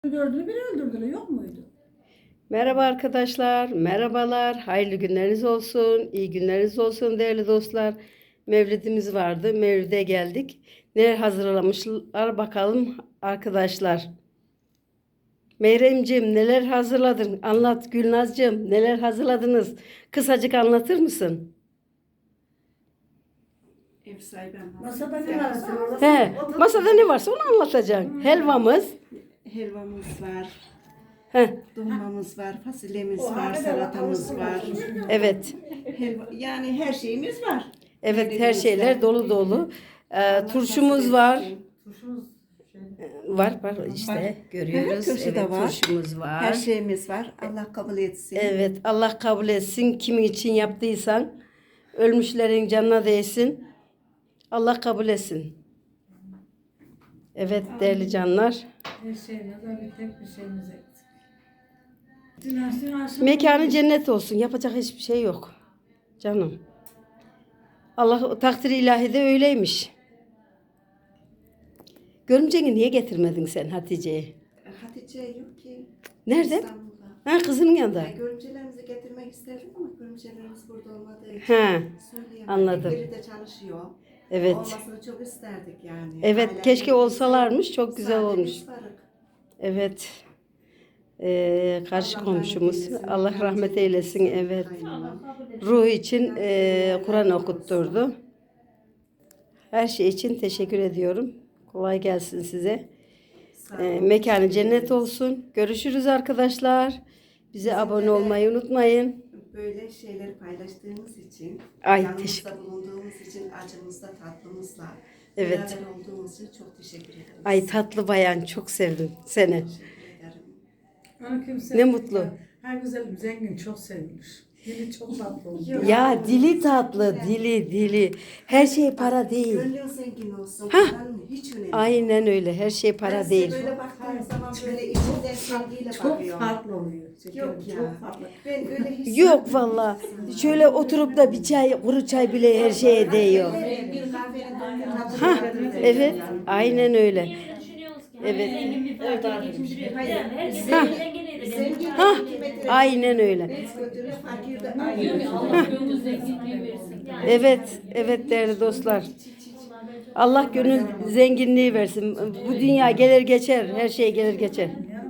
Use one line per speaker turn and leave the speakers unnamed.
Dördünü bir öldürdüler, yok muydu?
Merhaba arkadaşlar, merhabalar, hayırlı günleriniz olsun, iyi günleriniz olsun değerli dostlar. Mevlidimiz vardı, Mevlid'e geldik. Neler hazırlamışlar bakalım arkadaşlar. Meyremciğim neler hazırladın? Anlat Gülnazcığım neler hazırladınız? Kısacık anlatır mısın?
Ev sahibi anlatsın.
Masada ne varsa
He, masada ne varsa onu anlatacaksın. Helvamız.
Helvamız var,
He,
dolmamız var, fasulyemiz var, salatamız var.
evet.
Yani her şeyimiz var.
Evet her şeyler dolu dolu. Turşumuz var.
turşumuz
Var işte
Var.
görüyoruz.
Turşu
Evet
da var.
turşumuz var.
Her şeyimiz var. Allah kabul etsin.
Evet Allah kabul etsin. Kimin için yaptıysan ölmüşlerin canına değsin. Allah kabul etsin. Evet değerli canlar.
her şeyle de bir tek bir şeyimiz eksik. Dinasyon aşımı.
Mekanı cennet olsun. Yapacak hiçbir şey yok. Canım. Allah takdiri ilahide öyleymiş. Görümceni niye getirmedin sen Hatice'yi?
Hatice yok ki.
Nerede?
İstanbul'da.
Ha kızının yanında.
Görümcelerimizi getirmek isterdim ama görümcelerimiz burada olmadığı için
Ha,
söyleyemedim.
anladım.
Biri de çalışıyor.
evet.
Olmasını çok isterdik yani.
Evet
Ailemle
keşke
birlikte
olsalarmış çok güzel
sadece
olmuş.
biz varık.
Evet. Karşı
Allah
komşumuz.
rahmet eylesin.
Allah rahmet eylesin. Evet.
Aynen.
Ruh için Kur'an okutturdu. Her şey için teşekkür ediyorum. Kolay gelsin size.
Sağ olun.
Mekanı cennet olsun. Görüşürüz arkadaşlar. Bize abone olmayı unutmayın.
Böyle şeyleri paylaştığımız için,
Ay,
yanımızda bulunduğumuz için, acımızda, tatlımızla
Evet.
beraber olduğumuz için çok teşekkür ederiz.
Ay tatlı bayan çok sevdim seni.
Teşekkür ederim.
Onu kimse
Ne mutlu.
Her güzelim zengin çok sevilmiş. Dili çok tatlı oldu.
Ya dili tatlı, dili. Her şey para değil.
Gönlün zengin olsun, paranın hiç önemi yok.
Aynen öyle. Her şey
Ben
para
size
değil.
böyle baktığım zaman böyle içimden sevgiyle
Çok
bakıyorum.
farklı oluyor.
Yok ya.
Çok farklı.
Ben öyle hissediyorum.
Yok valla. Şöyle oturup da bir çay, kuru çay bile her şeye değiyor.
Bir kahvenin doyumunu
Ha,
hatırlıyorum.
evet. Aynen öyle. Evet.
Zengin
Ha, aynen öyle.
hiç götürüyor, fakir de aynı.
Evet değerli dostlar. Allah gönül zenginliği versin. Bu dünya gelir geçer, her şey gelir geçer.